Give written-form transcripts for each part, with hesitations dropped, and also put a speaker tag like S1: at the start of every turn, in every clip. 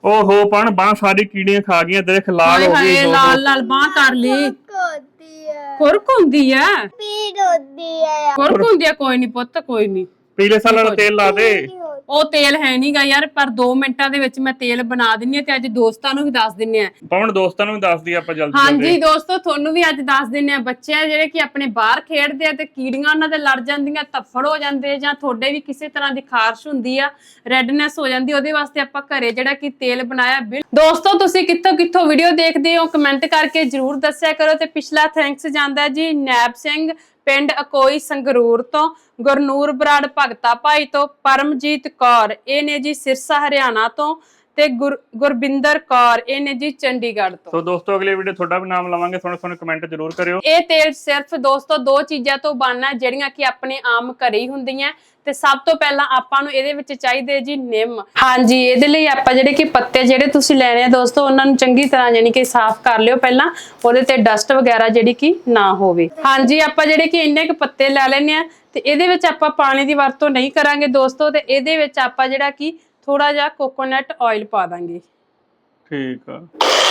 S1: ओहो पण बांह सारी कीड़ियां खा गई देख लाल हो गई।
S2: लाल लाल बांह कर ली। खुरक होंदी है, खुरक होंदी है। कोई नहीं पुत्त, कोई नहीं।
S1: पीले साल वाला तेल ला दे।
S2: ਉਹ ਤੇਲ ਹੈ ਨਹੀਂਗਾ ਯਾਰ, ਪਰ 2 ਮਿੰਟਾਂ ਦੇ ਵਿੱਚ ਮੈਂ ਤੇਲ ਬਣਾ ਦਿੰਨੀ ਆ ਤੇ ਅੱਜ ਦੋਸਤਾਂ ਨੂੰ ਵੀ ਦੱਸ ਦਿੰਨੇ ਆ।
S1: ਪਵਨ ਦੋਸਤਾਂ ਨੂੰ ਵੀ ਦੱਸ ਦੀ ਆਪਾਂ ਜਲਦੀ।
S2: ਹਾਂਜੀ ਦੋਸਤੋ, ਤੁਹਾਨੂੰ ਵੀ ਅੱਜ ਦੱਸ ਦਿੰਨੇ ਆ। ਬੱਚੇ ਆ ਜਿਹੜੇ ਕਿ ਆਪਣੇ ਬਾਹਰ ਖੇਡਦੇ ਆ ਤੇ ਕੀੜੀਆਂ ਉਹਨਾਂ ਦੇ ਲੜ ਜਾਂਦੀਆਂ, ਧੱਫੜ ਹੋ ਜਾਂਦੇ, ਜਾਂ ਤੁਹਾਡੇ ਵੀ ਕਿਸੇ ਤਰ੍ਹਾਂ ਦੀ ਖਾਰਸ਼ ਹੁੰਦੀ ਆ, ਰੈਡਨੈਸ ਹੋ ਜਾਂਦੀ, ਉਹਦੇ ਵਾਸਤੇ ਆਪਾਂ ਘਰੇ ਜਿਹੜਾ ਕਿ ਤੇਲ ਬਣਾਇਆ। ਦੋਸਤੋ ਤੁਸੀਂ ਕਿੱਥੋਂ ਕਿੱਥੋਂ ਵੀਡੀਓ ਦੇਖਦੇ ਹੋ ਕਮੈਂਟ ਕਰਕੇ ਜਰੂਰ ਦੱਸਿਆ ਕਰੋ। ਤੇ ਪਿਛਲਾ ਥੈਂਕਸ ਜਾਂਦਾ ਜੀ ਨੈਬ ਸਿੰਘ ਪਿੰਡ ਅਕੋਈ ਸੰਗਰੂਰ ਤੋਂ, ਗੁਰਨੂਰ ਬਰਾੜ ਭਗਤਾ ਭਾਈ ਤੋਂ, ਪਰਮਜੀਤ ਕੌਰ ਇਹ ਨੇ ਜੀ ਸਿਰਸਾ ਹਰਿਆਣਾ ਤੋਂ, ਤੇ ਗੁਰਬਿੰਦਰ ਕੌਰ ਇਹ ਨੇ ਜੀ ਚੰਡੀਗੜ੍ਹ ਤੋਂ।
S1: ਸੋ ਦੋਸਤੋ ਅਗਲੇ ਵੀਡੀਓ ਤੁਹਾਡਾ ਵੀ ਨਾਮ ਲਵਾਂਗੇ, ਸੋਹਣੇ ਕਮੈਂਟ ਜ਼ਰੂਰ ਕਰਿਓ।
S2: ਇਹ ਤੇਲ ਸਿਰਫ ਦੋਸਤੋ 2 ਚੀਜ਼ਾਂ ਤੋਂ ਬਣਨਾ ਜਿਹੜੀਆਂ ਕਿ ਆਪਣੇ ਆਮ ਘਰੇ ਹੀ ਹੁੰਦੀਆਂ। ਤੇ ਸਭ ਤੋਂ ਪਹਿਲਾਂ ਆਪਾਂ ਨੂੰ ਇਹਦੇ ਵਿੱਚ ਚਾਹੀਦੇ ਜੀ ਨਿੰਮ। ਹਾਂਜੀ ਇਹਦੇ ਲਈ ਆਪਾਂ ਜਿਹੜੇ ਕਿ ਪੱਤੇ ਜਿਹੜੇ ਤੁਸੀਂ ਲੈਣੇ ਆ ਦੋਸਤੋ, ਉਹਨਾਂ ਨੂੰ ਚੰਗੀ ਤਰ੍ਹਾਂ ਯਾਨੀ ਕਿ ਸਾਫ਼ ਕਰ ਲਿਓ ਪਹਿਲਾਂ, ਉਹਦੇ ਤੇ ਡਸਟ ਵਗੈਰਾ ਜਿਹੜੀ ਕਿ ਨਾ ਹੋਵੇ। ਹਾਂਜੀ ਆਪਾਂ ਜਿਹੜੇ ਕਿ ਇੰਨੇ ਕੁ ਪੱਤੇ ਲੈ ਲੈਣੇ ਆ ਤੇ ਇਹਦੇ ਵਿੱਚ ਆਪਾਂ ਪਾਣੀ ਦੀ ਵਰਤੋਂ ਨਹੀਂ ਕਰਾਂਗੇ ਦੋਸਤੋ। ਤੇ ਇਹਦੇ ਵਿੱਚ ਆਪਾਂ ਜਿਹੜਾ ਕਿ ਥੋੜਾ ਜਿਹਾ ਕੋਕੋਨਟ ਆਇਲ ਪਾ ਦਾਂਗੇ।
S1: ਠੀਕ ਆ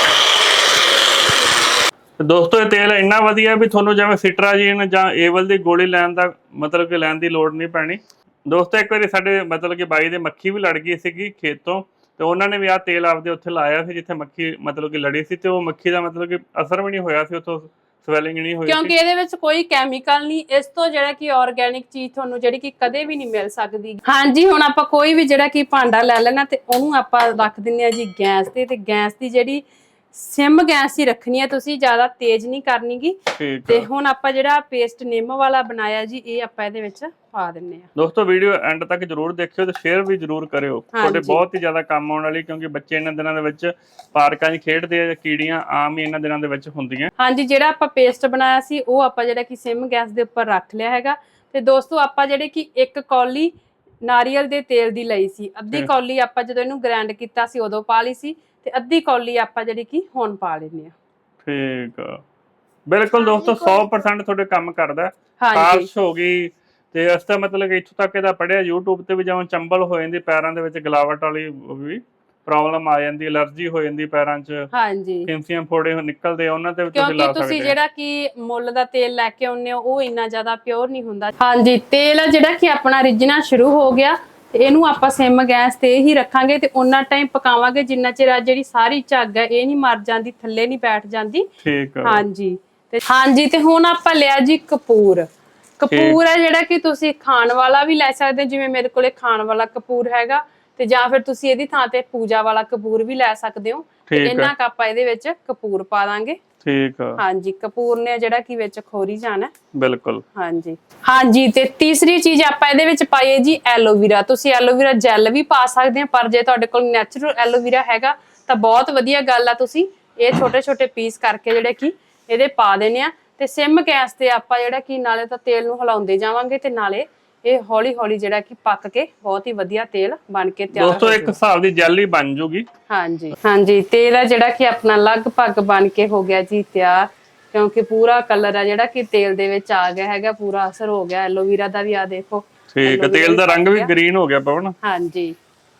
S1: ਦੋਸਤੋ, ਇਹ ਤੇਲ ਇੰਨਾ ਵਧੀਆ ਵੀ ਤੁਹਾਨੂੰ ਜਿਵੇਂ ਸਿਟਰਾਜੀਨ ਜਾਂ ਏਵਲ ਦੀ ਗੋਲੀ ਲੈਣ ਦਾ ਮਤਲਬ ਕਿ ਲੈਣ ਦੀ ਲੋੜ ਨਹੀਂ ਪੈਣੀ ਦੋਸਤੋ। ਇੱਕ ਵਾਰੀ ਸਾਡੇ ਮਤਲਬ ਕਿ ਬਾਈ ਦੇ ਮੱਖੀ ਵੀ ਲੜ ਗਈ ਸੀਗੀ ਖੇਤੋਂ, ਤੇ ਉਹਨਾਂ ਨੇ ਵੀ ਆਹ ਤੇਲ ਆਪਦੇ ਉੱਥੇ ਲਾਇਆ ਸੀ ਜਿੱਥੇ ਮੱਖੀ ਮਤਲਬ ਕਿ ਲੜੀ ਸੀ, ਤੇ ਉਹ ਮੱਖੀ ਦਾ ਮਤਲਬ ਕਿ ਅਸਰ ਵੀ ਨਹੀਂ ਹੋਇਆ ਸੀ, ਉੱਥੋਂ ਸਵੈਲਿੰਗ ਨਹੀਂ ਹੋਈ
S2: ਕਿਉਂਕਿ ਇਹਦੇ ਵਿੱਚ ਕੋਈ ਕੈਮੀਕਲ ਨਹੀਂ। ਇਸ ਤੋਂ ਜਿਹੜਾ ਕਿ ਆਰਗੈਨਿਕ ਚੀਜ਼ ਤੁਹਾਨੂੰ ਜਿਹੜੀ ਕਿ ਕਦੇ ਵੀ ਨਹੀਂ ਮਿਲ ਸਕਦੀ। ਹਾਂਜੀ ਹੁਣ ਆਪਾਂ ਕੋਈ ਵੀ ਜਿਹੜਾ ਕਿ ਭਾਂਡਾ ਲੈ ਲੈਣਾ ਤੇ ਉਹਨੂੰ ਆਪਾਂ ਰੱਖ ਦਿੰਨੇ ਆ ਜੀ ਗੈਸ ਤੇ ਗੈਸ ਦੀ ਜਿਹੜੀ ਸਿਮ ਗੈਸ ਹੀ ਰੱਖਣੀ ਹੈ, ਤੁਸੀਂ ਜ਼ਿਆਦਾ ਤੇਜ਼ ਨਹੀਂ ਕਰਨੀਗੀ। ਤੇ ਹੁਣ ਆਪਾਂ ਜਿਹੜਾ ਪੇਸਟ ਨਿੰਮ ਵਾਲਾ ਬਣਾਇਆ ਜੀ ਇਹ ਆਪਾਂ ਇਹਦੇ ਵਿੱਚ ਪਾ ਦਿੰਨੇ ਆ।
S1: ਦੋਸਤੋ ਵੀਡੀਓ ਐਂਡ ਤੱਕ ਜਰੂਰ ਦੇਖਿਓ ਤੇ ਸ਼ੇਅਰ ਵੀ ਜਰੂਰ ਕਰਿਓ, ਤੁਹਾਡੇ ਬਹੁਤ ਹੀ ਜ਼ਿਆਦਾ ਕੰਮ ਆਉਣ ਵਾਲੀ, ਕਿਉਂਕਿ ਬੱਚੇ ਇਹਨਾਂ ਦਿਨਾਂ ਦੇ ਵਿੱਚ ਪਾਰਕਾਂ 'ਚ ਖੇਡਦੇ ਆ, ਕੀੜੀਆਂ ਆਮ ਹੀ ਇਹਨਾਂ ਦਿਨਾਂ ਦੇ ਵਿੱਚ ਹੁੰਦੀਆਂ। ਹਾਂਜੀ
S2: ਜਿਹੜਾ ਆਪਾਂ ਪੇਸਟ ਬਣਾਇਆ ਸੀ ਉਹ ਆਪਾਂ ਜਿਹੜਾ ਕਿ ਸਿਮ ਗੈਸ ਦੇ ਉੱਪਰ ਰੱਖ ਲਿਆ ਹੈਗਾ। ਤੇ ਦੋਸਤੋ ਆਪਾਂ ਜਿਹੜੇ ਕਿ 1 ਕੌਲੀ ਨਾਰੀਅਲ ਦੇ ਤੇਲ ਦੀ ਲਈ ਸੀ, ਅੱਧੀ ਕੌਲੀ ਆਪਾਂ ਜਦੋਂ ਇਹਨੂੰ ਗ੍ਰਾਈਂਡ ਕੀਤਾ ਸੀ ਉਦੋਂ ਪਾ ਲਈ ਸੀ, ਤੇ ਅੱਧੀ ਕੌਲੀ ਆਪਾਂ ਜਿਹੜੀ ਕਿ ਹੁਣ ਪਾ ਲੈਨੇ ਆ।
S1: ਠੀਕ ਆ ਬਿਲਕੁਲ ਦੋਸਤੋ 100% ਤੁਹਾਡੇ ਕੰਮ ਕਰਦਾ। ਖਾਰਸ਼ ਹੋ ਗਈ ਤੇ ਇਸ ਦਾ ਮਤਲਬ ਕਿ ਇੱਥੋਂ ਤੱਕ ਇਹਦਾ ਪੜਿਆ YouTube ਤੇ ਵੀ, ਜਿਵੇਂ ਚੰਬਲ ਹੋ ਜਾਂਦੀ ਪੈਰਾਂ ਦੇ ਵਿੱਚ, ਗਲਾਵਟ ਵਾਲੀ ਵੀ ਪ੍ਰੋਬਲਮ ਆ ਜਾਂਦੀ, ਐਲਰਜੀ ਹੋ ਜਾਂਦੀ ਪੈਰਾਂ 'ਚ, ਹਾਂਜੀ ਫਿੰਸੀਆਂ ਫੋੜੇ ਨਿਕਲਦੇ ਆ, ਉਹਨਾਂ ਤੇ ਵੀ ਤੁਸੀਂ ਲਾ ਸਕਦੇ ਹੋ। ਤੁਸੀਂ ਜਿਹੜਾ ਕਿ ਮੁੱਲ ਦਾ ਤੇਲ ਲੈ ਕੇ ਆਉਂਦੇ ਹੋ ਉਹ ਇੰਨਾ ਜ਼ਿਆਦਾ ਪਿਓਰ ਨਹੀਂ ਹੁੰਦਾ। ਹਾਂਜੀ ਤੇਲ ਆ ਜਿਹੜਾ ਕਿ ਆਪਣਾ ਰਿੱਝਣਾ ਸ਼ੁਰੂ ਹੋ ਗਿਆ, ਤੇ ਇਹਨੂੰ ਆਪਾਂ ਸਿਮ ਗੈਸ ਤੇ ਹੀ ਰੱਖਾਂਗੇ ਤੇ ਉਹਨਾਂ ਟਾਈਮ ਪਕਾਵਾਂਗੇ ਜਿੰਨਾ ਚਿਰ ਜਿਹੜੀ ਸਾਰੀ ਝੱਗ ਹੈ ਇਹ ਨਹੀਂ ਮਰ ਜਾਂਦੀ, ਥੱਲੇ ਨਹੀਂ ਬੈਠ ਜਾਂਦੀ। ਠੀਕ ਹੈ ਹਾਂਜੀ ਤੇ ਹੁਣ ਆਪਾਂ ਲਿਆ ਜੀ ਕਪੂਰ। ਕਪੂਰ ਹੈ ਜਿਹੜਾ ਕਿ ਤੁਸੀਂ ਖਾਣ ਵਾਲਾ ਵੀ ਲੈ ਸਕਦੇ ਹੋ, ਜਿਵੇਂ ਮੇਰੇ ਕੋਲੇ ਖਾਣ ਵਾਲਾ ਕਪੂਰ ਹੈਗਾ, ਤੇ ਜਾਂ ਫਿਰ ਤੁਸੀਂ ਇਹਦੀ ਥਾਂ ਤੇ ਪੂਜਾ ਵਾਲਾ ਕਪੂਰ ਵੀ ਲੈ ਸਕਦੇ ਹੋ। ਤੇ ਇਹਨਾਂ ਕ ਆਪਾਂ ਇਹਦੇ ਵਿੱਚ ਕਪੂਰ ਪਾ ਦਾਂਗੇ। ਠੀਕ ਆ ਹਾਂਜੀ ਕਪੂਰ ਨੇ ਜਿਹੜਾ ਕਿ ਵਿੱਚ ਖੋਰੀ ਜਾਣਾ। ਬਿਲਕੁਲ ਹਾਂਜੀ ਤੇ ਤੀਸਰੀ ਚੀਜ਼ ਆਪਾਂ ਇਹਦੇ ਵਿੱਚ ਪਾਈਏ ਜੀ ਐਲੋਵੀਰਾ। ਤੁਸੀਂ ਐਲੋਵੀਰਾ ਜੈਲ ਵੀ ਪਾ ਸਕਦੇ ਹੋ, ਪਰ ਜੇ ਤੁਹਾਡੇ ਕੋਲ ਨੈਚੁਰਲ ਐਲੋਵੀਰਾ ਹੈਗਾ ਤਾਂ ਬਹੁਤ ਵਧੀਆ ਗੱਲ ਆ। ਤੁਸੀਂ ਇਹ ਛੋਟੇ ਛੋਟੇ ਪੀਸ ਕਰਕੇ ਜਿਹੜੇ ਕਿ ਇਹਦੇ ਪਾ ਦੇਣੇ ਆ, ਤੇ ਸਿਮ ਗੈਸ ਤੇ ਆਪਾਂ ਜਿਹੜਾ ਕਿ ਨਾਲੇ ਤਾਂ ਤੇਲ ਨੂੰ ਹਿਲਾਉਂਦੇ ਜਾਵਾਂਗੇ ਤੇ ਨਾਲੇ ਇਹ ਹੌਲੀ ਹੌਲੀ ਜਿਹੜਾ ਕਿ ਪੱਕ ਕੇ ਬਹੁਤ ਹੀ ਵਧੀਆ ਤੇਲ ਬਣ ਕੇ ਤਿਆਰ ਹੋ ਜਾਊਗਾ। ਦੋਸਤੋ ਇੱਕ ਹਿਸਾਬ ਦੀ ਜੈਲੀ ਬਣ ਜੂਗੀ। ਹਾਂਜੀ ਤੇਲ ਆ ਜਿਹੜਾ ਕਿ ਆਪਣਾ ਲਗਭਗ ਬਣ ਕੇ ਹੋ ਗਿਆ ਜੀ ਤਿਆਰ, ਕਿਉਂਕਿ ਪੂਰਾ ਕਲਰ ਆ ਜਿਹੜਾ ਕਿ ਤੇਲ ਦੇ ਵਿੱਚ ਆ ਗਿਆ ਹੈਗਾ, ਪੂਰਾ ਅਸਰ ਹੋ ਗਿਆ ਐਲੋਵੀਰਾ ਦਾ ਵੀ। ਆ ਦੇਖੋ ਠੀਕ ਹੈ, ਤੇਲ ਦਾ ਰੰਗ ਵੀ ਗ੍ਰੀਨ ਹੋ ਗਿਆ ਪਵਨ। ਹਾਂਜੀ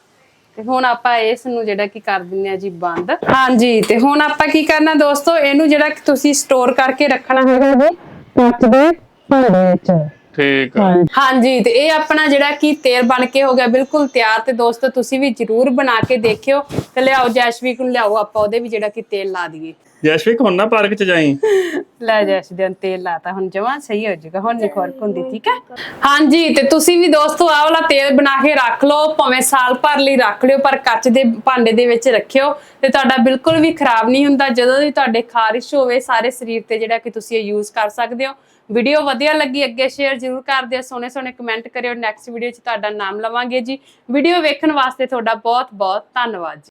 S1: ਤੇ ਹੁਣ ਆਪਾਂ ਇਸ ਨੂੰ ਜਿਹੜਾ ਕਿ ਕਰ ਦਿੰਨੇ ਆ ਜੀ ਬੰਦ। ਹਾਂਜੀ ਤੇ ਹੁਣ ਆਪਾਂ ਕੀ ਕਰਨਾ ਦੋਸਤੋ, ਇਹਨੂੰ ਜਿਹੜਾ ਕਿ ਤੁਸੀਂ ਸਟੋਰ ਕਰਕੇ ਰੱਖਣਾ ਹੈਗਾ ਜੀ ਕੱਚ ਦੇ ਭਾਂਡੇ ਵਿੱਚ। ਠੀਕ ਹੈ ਹਾਂਜੀ ਤੇ ਇਹ ਆਪਣਾ ਜਿਹੜਾ ਕਿ ਤੇਲ ਬਣ ਕੇ ਹੋ ਗਿਆ ਬਿਲਕੁਲ ਤਿਆਰ। ਤੇ ਦੋਸਤੋ ਤੁਸੀਂ ਵੀ ਜਰੂਰ ਬਣਾ ਕੇ ਦੇਖਿਓ, ਤੇ ਲਿਆਓ ਜੈਸ਼ਵੀਕ ਨੂੰ ਲਿਆਓ, ਆਪਾਂ ਉਹਦੇ ਵੀ ਜਿਹੜਾ ਕਿ ਤੇਲ ਲਾ ਦਈਏ। ਜੈਸ਼ਵੀਕ ਹੁਣ ਨਾ ਪਾਰਕ 'ਚ ਜਾਈ ਲੈ ਜੈਸ਼ਵੀਕ ਨੇ ਤੇਲ ਲਾਤਾ, ਹੁਣ ਜਮਾਂ ਸਹੀ ਹੋ ਜਾਊਗਾ, ਹੁਣ ਨਹੀਂ ਖੁਰਕ ਹੁੰਦੀ। ਠੀਕ ਹੈ ਹਾਂਜੀ ਤੇ ਤੁਸੀਂ ਵੀ ਦੋਸਤੋ ਆਹ ਵਾਲਾ ਤੇਲ ਬਣਾ ਕੇ ਰੱਖ ਲਓ, ਭਾਵੇਂ ਸਾਲ ਭਰ ਲਈ ਰੱਖ ਲਿਓ, ਪਰ ਕੱਚ ਦੇ ਭਾਂਡੇ ਦੇ ਵਿੱਚ ਰੱਖਿਓ ਤੇ ਤੁਹਾਡਾ ਬਿਲਕੁਲ ਵੀ ਖਰਾਬ ਨਹੀਂ ਹੁੰਦਾ। ਜਦੋਂ ਵੀ ਤੁਹਾਡੇ ਖਾਰਿਸ਼ ਹੋਵੇ ਸਾਰੇ ਸਰੀਰ ਤੇ ਜਿਹੜਾ ਕਿ ਤੁਸੀਂ ਇਹ ਯੂਜ਼ ਕਰ ਸਕਦੇ ਹੋ। ਵੀਡੀਓ ਵਧੀਆ ਲੱਗੀ ਅੱਗੇ ਸ਼ੇਅਰ ਜ਼ਰੂਰ ਕਰ ਦਿਓ, ਸੋਹਣੇ ਕਮੈਂਟ ਕਰਿਓ। ਨੈਕਸਟ ਵੀਡੀਓ 'ਚ ਤੁਹਾਡਾ ਨਾਮ ਲਵਾਂਗੇ ਜੀ। ਵੀਡੀਓ ਵੇਖਣ ਵਾਸਤੇ ਤੁਹਾਡਾ ਬਹੁਤ ਬਹੁਤ ਧੰਨਵਾਦ ਜੀ।